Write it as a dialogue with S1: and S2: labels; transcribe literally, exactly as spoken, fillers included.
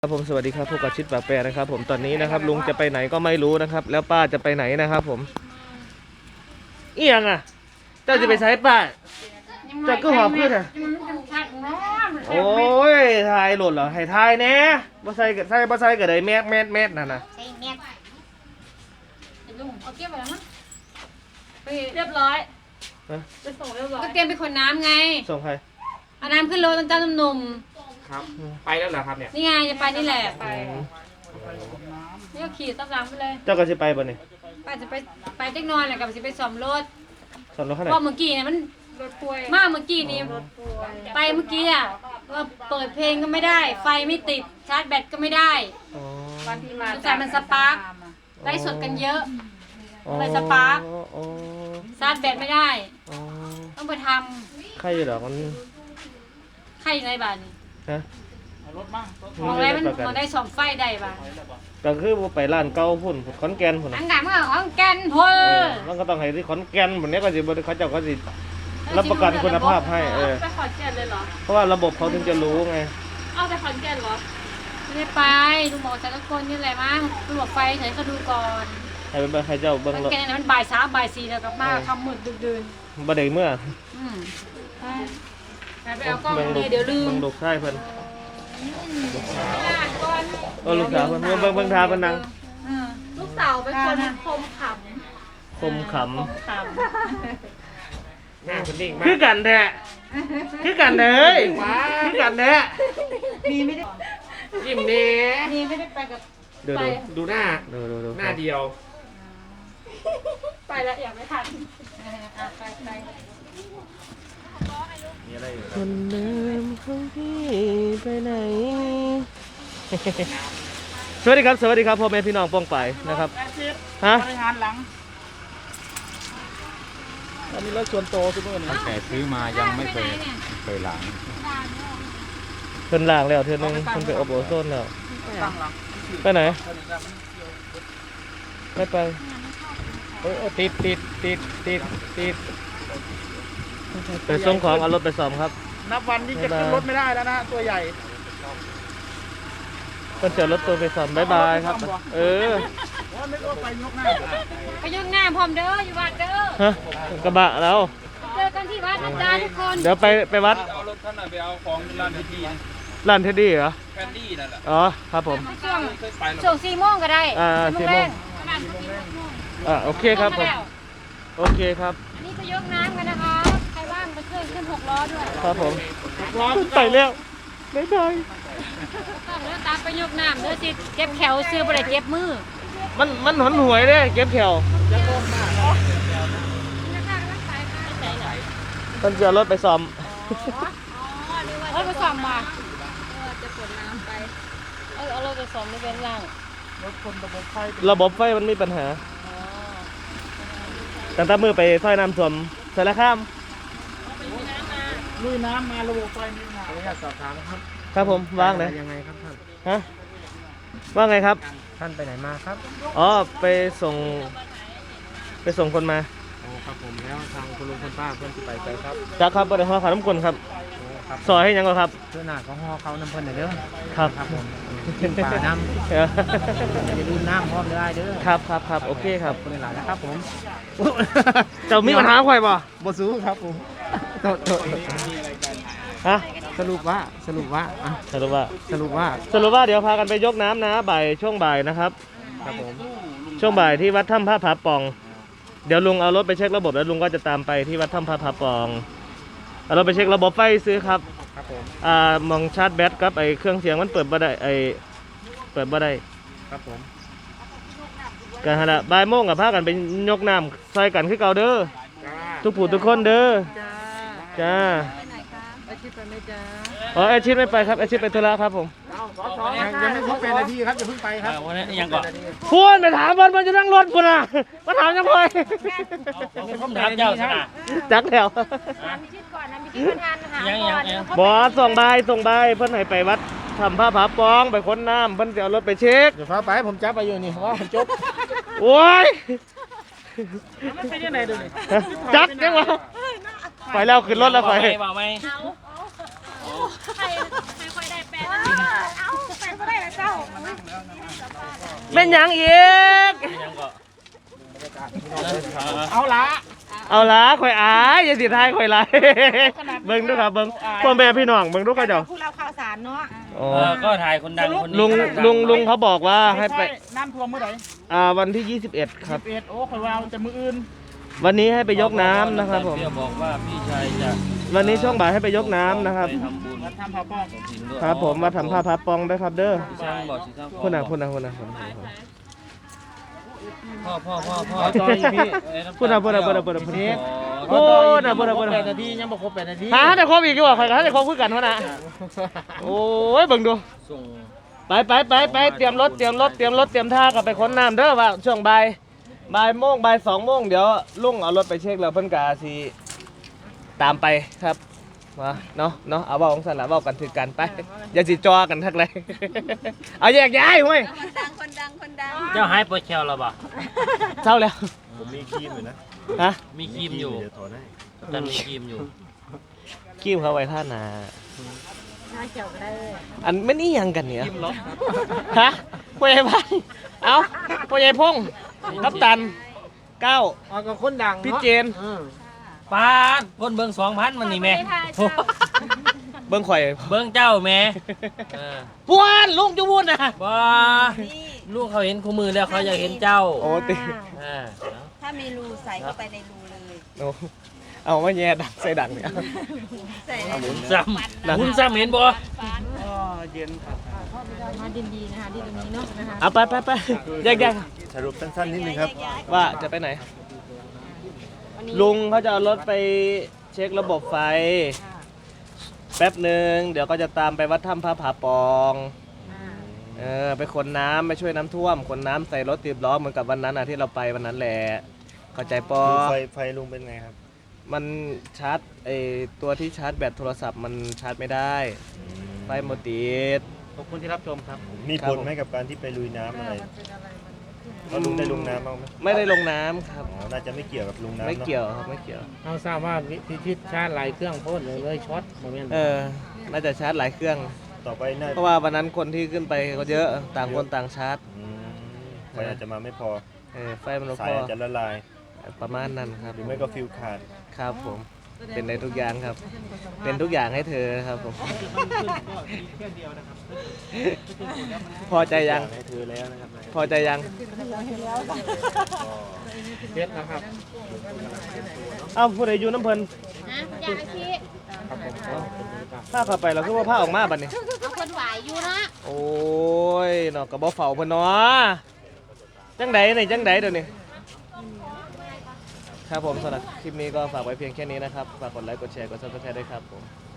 S1: ครับผมสวัสดีครับพวกกับชิดปากแปรนะครับผมตอนนี้นะครับลุงจะไปไหนก็ไม่รู้นะครับแล้วป้าจะไปไหนนะครับผมเอียงอ่ะเจ้าจะไปใช้ป้าเจ้าก็หอบขึ้นอ่ะโอ้ยทายหล่นเหรอให้ทายแน่บ่ใส่กับใส่บ่ใส่กับไดแมสแมสแมสนั่นน่ะ
S2: ใช่แมสลุงเอาเก็บไว้แล้วมั้งไปเรียบร้อยไปส่งเรียบร้อยก็เตรียมไปขนน้ำไง
S1: ส่งใคร
S2: เอาน้ำขึ้นรถตอนเจ้าหนุ่ม
S3: ครับไปแล้วเหรอครับเนี่ย
S2: นี่ไงจะไปนี่แหละไปนี่ก็ขี่ตามหลังไปเลย
S1: เจ้าก็จะไปบ่เนี่ย
S2: ป้าจะไปไปเจ๊กนอนแหละกับจะไปซ่อมรถ
S1: ซ่อมรถขนาด
S2: ว่าเมื่อกี้เนี่ยมันรถป่วยมากเมื่อกี้นี้ไปเมื่อกี้อ่ะว่าเปิดเพลงก็ไม่ได้ไฟไม่ติดชาร์จแบตก็ไม่ได้วันที่มาแต่มันสปาร์คไล่สดกันเยอะเลยสปาร์คชาร์จแบตไม่ได้ต้องไปท
S1: ำใครอยู่หรอมัน
S2: ใครอยู่ในบ้านนี่
S1: ฮะ
S3: รถมั่ง
S2: มองอะไรมันมองได้สองไฟได้บ้าง
S1: ก็คือไปร้านเก่าพุ่นขอนแก่นพุ่น
S2: อันดับเมื่อขอนแก่นพุ่น
S1: มันก็ต้องให้ที่ขอนแก่นพุ่นนี้ก็สิบ่เขาเจ้าก็สิรับประกันคุณภาพให้เออ
S2: ไปขอนแก่นเลยเหรอ
S1: เพราะว่าระบบเขาถึงจะรู้ไง
S2: เอาไปขอนแก่นเหรอไม่ได้ไปลุงบอกจะตะโกนนี่แหละมั้งลุงบอกไฟเฉยก็ดูก่อน
S1: ให้เป็นใครเจ้าเบิ้ง
S2: รถแกนี่มันบ่ายสามบ่ายสี่แล้วกับมาคำมืดดึกดื่น
S1: บ่ได้เมื่อ
S2: อืมไปเอากล้องเลยเดี๋ยวลืม
S1: บังลูกชายเพิ่นเออลูกสาวเพิ่นเบิ่งเบิ่งเบิ่งทาเพิ่นนั่ง
S2: ลูกสาวเป็นคนคมข
S1: ำคมขำ
S3: หน้าคนนิ่งมาก
S1: คือกันแท้คือกันเด้ยคือกันแท้
S2: มีไม่ได้
S3: ยิ้มเน่
S2: มีไม่ได้ไปกับ
S3: ไปดูหน้า
S1: ดูดูดู
S3: หน้าเดียว
S2: ไปแล้วอยากไม่ทันไปไป
S1: คนเดิมของพี่ไปไหนสวัสดีครับสวัสดีครับพ่อแม่พี่น้องป้องไปนะครับฮะ
S3: งานหลัง
S1: อันนี้รถส่วนโตทุกคน
S3: ตั้งแต่ซื้อมายังไม่เคยเคยหลัง
S1: เพิ่นล้างแล้วเทื่อนึงเพิ่นไปอบโอโซนแล้วไปไหนไม่ไปโอ้ติดติดติดติดติดไปส่งของเอารถไปซ่อมครับ
S3: นับวันที่จะขึ้นรถไม่ได้แล้วนะตัวใหญ่
S1: เพิ่นเจอรถตัวไปซ่อมบ๊ายบายครับเออ
S3: ไปยกหน้า
S2: ไปยกหน้าพร้อมเด้ออยู่วัดเด้อ
S1: ฮะกระบะแล้ว
S2: เจอกันที่วัดนะจ๊ะทุกคน
S1: เดี๋ยวไปไปวัด
S3: เอารถท่านไปเอาของร้านเทดดี้
S1: ร้านเทดดี้เหรอ
S3: แฟนดี้นั่นแหละ
S1: อ๋อครับผม
S2: ช่วงช่วงสี่โมงก็ได้
S1: อ่าสี่โมงอ่าโอเคครับผมโอเคครับ
S2: นี่จะยกน้ำกันนะคะใครว่างไปขึ้นขึ้นหกล้อด้วย
S1: ครับผมไปแล้วบ๊ายบาย
S2: ต้องเดินตามไปยกน้ำเด้อสิเก็บแขวซื้อบ่ได้เก็บมือ
S1: มันมันหนหวยเด้เก็บแขวเพิ่นจะรถไปซ่อม
S2: รถไปซ่อมมาจะขนน้ำไปเออเอารถไปซ่อมในเว้นล่าง
S1: รถคนระบบไฟระบบไฟมันมีปัญหาตั้งแต่มือไปซอยน้ำท่วมสารคาม
S3: ลุยน้ำมาระบบไฟมีปัญหาขออนุญาตสอบถามครับ
S1: ครับผมว่างไหน
S3: ยังไงครับท่าน
S1: ฮะว่าไงครับ
S3: ท่านไปไหนมาครับ
S1: อ๋อไปส่งไปส่งคนมา
S3: อ๋อครับผมแล้วทางคุณลุงคุณป้าเพื่อนที่ไปไปครับ
S1: จักครับบริหารขนมกลครับซอยให้ยังก็ครับ
S3: เพื่อนหน้าของห่อเขาน้ำเพิ่นเด้อ
S1: ครับ
S3: ครับผมกินปลาน้ำอย่าลืมน้ำพร้อมได้เด้อ
S1: ครับครับครับโอเคครับ
S3: คนหลายนะครับผม
S1: เจ้ามีปัญหาใครบ่
S3: บ่สู้ครับผมโทษโทษ
S1: ฮะ
S3: สรุปว่าสรุปว่า
S1: สรุปว่า
S3: สรุปว่า
S1: สรุปว่าเดี๋ยวพากันไปยกน้ำนะบ่ายช่วงบ่ายนะครับ
S3: ครับผม
S1: ช่วงบ่ายที่วัดถ้ำพระผาปองเดี๋ยวลุงเอารถไปเช็คระบบแล้วลุงก็จะตามไปที่วัดถ้ำพระผาปองเอารถไปเช็คระบบไฟซื้อครับ
S3: ครับผม
S1: อ่ามองชาร์จแบตกับไอเครื่องเสียงมันเปิดบ่ได้ไอเปิดบ่ได้
S3: ครับผม
S1: กันฮะละบ่ายโมงกับพากันไปยกน้ำใส่กันขึ้นเก่าเด้อทุกผู้ทุกคนเด้อจ้า
S2: อาชีพไปไหมจ้า
S1: อ๋ออาชีพไม่ไปครับอาชีพไปธุระครับผม
S3: ยังไม่ครบเป็นนาทีครับจะเพิ่งไปครับ
S1: วันนี้ยังก่อนพูดไปถามบอลมันจะนั่งรถปุ่นอ่ะมาถามยังไง
S3: ผมถามเจ้าสิ
S1: จักแล้ว
S2: ยังยังยัง
S1: บอสส่งใบส่งใบเพื่อนให้ไปวัดทำผ้าผาปองไปค้นน้ำเพื่อนจะเอารถไปเช็ค
S3: เดี๋ยวฟ้าไปผมจับไปอยู่นี่ว่าผมจบ
S1: โอ้ย
S3: มันไปที่ไหนดูนี่
S1: จักยังวะไปแล้วขึ้นรถแล้วไป
S2: ใครใครค่อยได้แปดเอาแปดก็ได้แล้
S1: แม่นหยังอีก
S4: ยังก็
S3: เอาละ
S1: เอาละข่อยอายอย่าสิทายข่อยไรเบิ่งดูครับเบิ่งพ่อแม่พี่น้องเบิ่งดูเขาเจ้า
S5: พวกเราข่าวสารเนาะ
S1: อ๋อ
S4: เออก็ถ่ายคนดังคนนี้
S1: ลุงลุงลุงเขาบอกว่าให้ไป
S3: น้ำท่วมเมื่อไหร่
S1: อ่าวันที่ยี่สิบเอ็ดครับ
S3: สิบเอ็ดโอ้คอยว่าจะมืออื่น
S1: วันนี้ให้ไปยกน้ำนะครับผม
S4: เปรี้ยวบอกว่าพี่ชายจะ
S1: วันนี้ช่วงบ่ายให้ไปยกน้ำนะครับ
S4: ไปทำบุญ
S3: มาทำผ้าป้อง
S4: ถิ่นด้วย
S1: ครับผมมาทำผ้าพับปองด้วยครับเด้อ
S4: พี่ช่างบอกสิครับ
S1: คุณน่ะคุณน่ะคุณน่ะคุณน่ะ
S4: พ่อพ่อพ่อพ่อ
S3: ขอต่ออีกพี่
S1: พูดนะพูดนะพูดนะพูดนะพูดนะ
S4: โอ้
S1: โอ้น่ะบ่ได้บ่ได้
S3: แปดนาทียังบ่ครบแปดนาที
S1: หาแต่ครบอีกดีกว่าข่อยก็หาแต่ครบคือกันเท่านั้นโอ้ยเบิ่งดู
S4: ส่ง
S1: ไปไปไปไปเตรียมรถเตรียมรถเตรียมรถเตรียมท่ากลับไปค้นน้ำเด้อว่าช่วงบ่ายบ่ายโมงบ่ายสองโมงเดี๋ยวลุงเอารถไปเช็คแล้วเพิ่นกาสิตามไปครับมาเนาะเนาะเอาเว้าของสันละเว้ากันถือกันไปอย่าสิจอกันทักเลย เอาแยกย้ายเว้ย
S5: คนดังคนดังคนดัง
S4: เจ้าหายปวดแขวแล้วบ่
S1: เท่าแล้ว
S6: ผมมีครีมอยู่นะ
S1: ฮะ
S4: มีครีมอยู่
S6: เดี๋ยวถอนให้
S4: แต่มีครีมอยู่
S1: กิ้วเขาไว้ท่านา
S5: น่าเกี่ยวได้
S1: อันไม่นี่ยังกันเนี่ยฮะพ่อใหญ่พันเอาพ่อใหญ่พงษ์กัปตันเก้า
S3: เอากับคนดัง
S1: พี่เจน
S4: ปาดคนเบิ่งสองพันมันนี่แม่
S1: เบิ้งข่อย
S4: เบิ่งเจ้าแม่เออ
S1: ปวนลุงจะวุ่นนะ
S4: บ่ลูกเขาเห็นคู่มือแล้วเขาอยากเห็นเจ้า
S1: โอ้ติ
S4: เออ
S5: ถ้ามีรูใส่เข้าไปในรูเลย
S1: โอ้เอามาแย่ดังใส่ดังเนี่ย
S5: ใส่ใน
S4: หมุนซ้ำหมุนซ้ำเห็นบ่
S3: อ๋อเย็นครับ
S5: มาดินดีนะคะที่ตรงนี้เนาะนะคะ
S1: เอาไปไปไปแยกแยก
S6: สรุปสั้นๆนิดนึงครับ
S1: ว่าจะไปไหน ลุงเขาจะเอารถไปเช็คระบบไฟ แป๊บหนึ่งเดี๋ยวก็จะตามไปวัดถ้ำพระผาปองเออไปขนน้ำไปช่วยน้ำท่วมขนน้ำใส่รถติดล้อเหมือนกับวันนั้นอ่ะที่เราไปวันนั้นแหละเข้าใจปอ
S6: ดูไฟไฟลุงเป็นไงครับ
S1: มันชาร์จไอตัวที่ชาร์จแบตโทรศัพท์มันชาร์จไม่ได้ไฟหมดติด
S3: ขอบคุณที่รับชมครับ
S6: มี
S1: ครับ
S6: ผล
S1: ผม
S6: ไหมกับการที่ไปลุยน้ำอะไรแล้วลุงได้ลงน้ำบ้างไหม
S1: ไม่ได้ลงน้ำครับ
S6: อ๋อน่าจะไม่เกี่ยวกับลุงน้ำ
S1: ไม่
S6: เนอะ
S1: เกี่ยวครับไม่เกี่ยว
S3: เอาทราบว่าพิชิตชาติหลายเครื่องพ่นเลยช็อตโมเมนต์
S1: เออน่าจะชาร์จหลายเครื่อง
S6: ต่อไปน่า
S1: เพราะว่าวันนั้นคนที่ขึ้นไปเขาเยอะต่างคนต่างชาร์จ
S6: อืมไฟอาจจะมาไม่พอ
S1: เออไฟมัน
S6: สา
S1: พ
S6: ย
S1: อ
S6: อาจจะละลาย
S1: ประมาณนั้นครับ
S6: หรือไม่ก็ฟิวขาด
S1: ครับผมเป็นในทุกอย่างครับ เป็นทุกอย่างให้เธอครับผม พอใจยัง
S6: ให้เธอแล้วนะครับ
S1: พอใจยัง
S3: เพชรนะครับ
S1: เอ้าผู้ใดอยู่น้ำเพลิน
S5: อยากชี้
S3: ครับผม
S1: ผ้าเข้าไปแล้วคือว่าผ้าออกมาบัดนี้
S5: เอาคนไหวอยู่นะ
S1: โอ้ยเนาะกระบอกเฝ้าเพิ่นเนาะจังใดนี่จังใดเดี๋ยวนี้ครับผมสำหรับคลิปนี้ก็ฝากไว้เพียงแค่นี้นะครับ ฝากกดไลค์กดแชร์กดซับสไครต์ด้วยครับผม